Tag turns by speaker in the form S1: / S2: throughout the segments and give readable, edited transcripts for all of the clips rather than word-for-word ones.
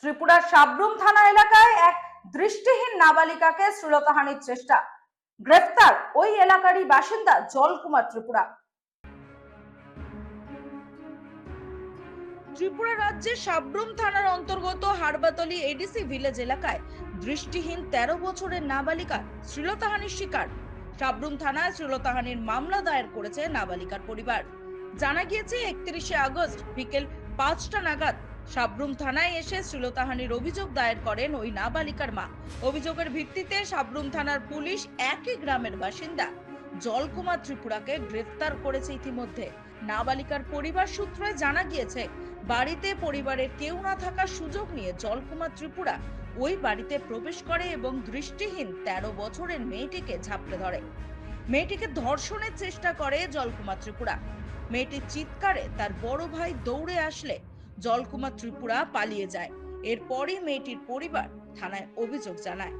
S1: ত্রিপুরার সাবরুম থানা এলাকায় এক দৃষ্টিহীন নাবালিকাকে শ্লীলতাহানির চেষ্টা, গ্রেফতার ওই এলাকারই বাসিন্দা জলকুমার ত্রিপুরা। ত্রিপুরা রাজ্যের সাবরুম থানার অন্তর্গত হারবাতলি এডিসি ভিলেজ এলাকায় দৃষ্টিহীন 13 বছরের নাবালিকা শ্লীলতাহানির শিকার। সাবরুম থানায় শ্লীলতাহানির মামলা দায়ের করেছে নাবালিকার পরিবার। জানা গিয়েছে 31শে আগস্ট বিকেল 5টা নাগাদ সাবরুম থানায় এসে শ্লীলতাহানির অভিযোগ দায়ের করেন ওই নাবালিকার মা। অভিযোগের ভিত্তিতে সাবরুম থানার পুলিশ একই গ্রামের বাসিন্দা জলকুমার ত্রিপুরাকে গ্রেফতার করেছে ইতিমধ্যে। নাবালিকার পরিবার সূত্রে জানা গিয়েছে, বাড়িতে পরিবারের কেউ না থাকার সুযোগ নিয়ে জলকুমার ত্রিপুরা ওই বাড়িতে প্রবেশ করে এবং দৃষ্টিহীন 13 বছরের মেয়েটিকে ঝাপটে ধরে। মেয়েটিকে ধর্ষণের চেষ্টা করে জলকুমার ত্রিপুরা। মেয়েটির চিৎকারে তার বড় ভাই দৌড়ে আসলে জলকুমার ত্রিপুরা পালিয়ে যায়। এরপরই মেয়েটির পরিবার থানায় অভিযোগ জানায়।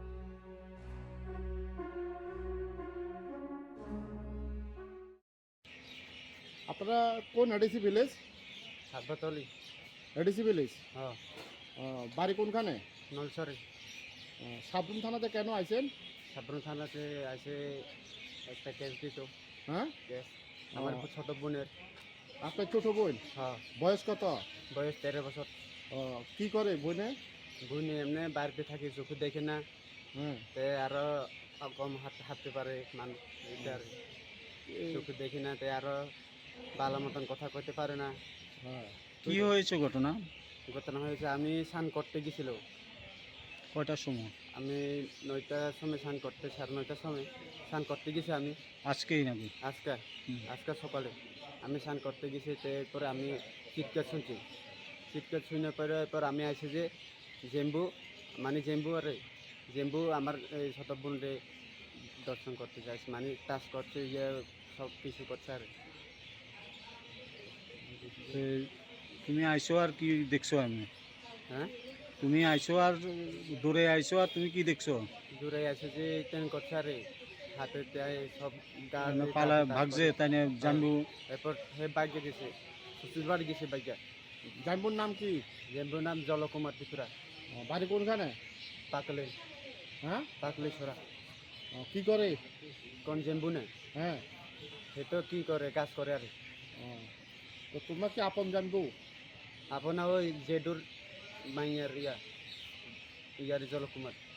S2: আপনারা কোন ADC village?
S3: Harbatali.
S2: ADC village.
S3: হ্যাঁ,
S2: বাড়ি কোনখানে?
S3: নলছরে।
S2: সাবরুম থানাতে কেন আইছেন?
S3: সাবরুম থানাতে আছে একটা কেস দিত।
S2: হ্যাঁ,
S3: কেস আমার ছোট বোনের।
S2: আপনার ছোট বোন?
S3: হ্যাঁ,
S2: বয়স কত?
S3: বয়স 13 বছর।
S2: কি করে বোনে?
S3: বোন এমনি বাড়িতে থাকি, চোখে দেখে না।
S2: হ্যাঁ,
S3: তে আরো কম হাঁটতে পারে মানুষ, চোখে দেখি না, তে আরো ভালো মতন কথা কইতে পারে না।
S2: হ্যাঁ।
S4: কি হয়েছে ঘটনা?
S3: ঘটনা হয়েছে আমি স্নান করতে গেছিল।
S4: কয়টার সময়?
S3: আমি 9টার সময় স্নান করতে, 9:30টার সময় স্নান করতে গেছি আমি।
S4: আজকেই নাকি?
S3: আজকে সকালে আমি স্নান করতে গেছি। এরপরে আমি চিৎকার শুনছি। চিৎকার শুনে পরে এরপর আমি আসি যে জেম্বু আমার এই ছোট বোনরে দর্শন করতে যাইছি, মানে টাচ করছে, ইয়ে সব কিছু করছে আর।
S4: তো তুমি আইসো আর কি দেখছো? আমি
S3: হ্যাঁ,
S4: তুমি আইসো আর দূরে আইসো আর তুমি কি দেখছো?
S3: দূরে আসে যে ট্রেন করছে আরে, হাতে সব
S4: পালা ভাগছে তাই না জানবো।
S3: এরপর হে বাইকে গেছে, শ্বশুর বাড়ি গেছে বাইকে।
S2: জানবুর নাম কি?
S3: জেম্বুর নাম জলকুমার ত্রিপুরা।
S2: বাড়ি কোনখানে?
S3: পাকলে।
S2: হ্যাঁ,
S3: পাকলে ছড়া।
S2: কি করে?
S3: কোন জেম্বু না?
S2: হ্যাঁ,
S3: সে তো কি করে, কাজ করে আর।
S2: তো তোমরা কি আপন জানবু?
S3: আপনার ওই জেডুর মাইয়ার ইয়ার জলকুমার।